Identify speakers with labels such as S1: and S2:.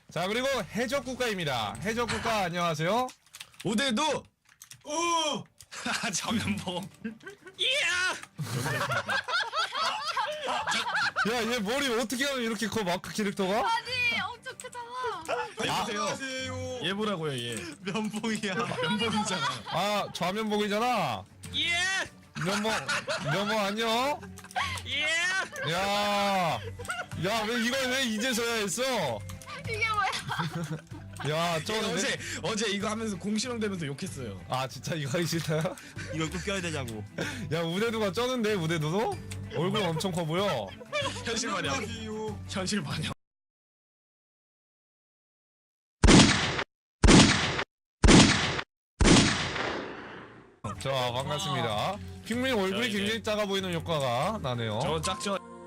S1: 자, 그리고 해적국가입니다. 해적국가 안녕하세요.
S2: 오대도
S3: 오!
S2: 전면봉.
S1: 야, 얘 머리 어떻게 하면 이렇게 커, 마크 캐릭터가?
S4: 아니 엄청 크잖아.
S3: 안녕하세요.
S2: 얘 보라고요 얘.
S3: 면봉이야.
S2: 면봉이잖아.
S1: 아, 좌면봉이잖아. 면봉 안녕. 야, 왜 이걸 왜 이제서야 했어?
S4: 이게 뭐야?
S1: 야, 쩌는데?
S2: 어제 이거 하면서 공실험되면서 욕했어요.
S1: 아, 진짜 이거 하기 싫다요?
S3: 이걸 꼭 껴야 되냐고.
S1: 야, 우대두가 쩌는데, 우대두도? 얼굴 엄청 커 보여.
S2: 현실 반영.
S3: 안녕하세요.
S2: 현실 반영.
S1: 자, 반갑습니다. 핑민 얼굴이
S2: 자, 이제-
S1: 굉장히 작아 보이는 효과가 나네요.
S2: 저 짝죠.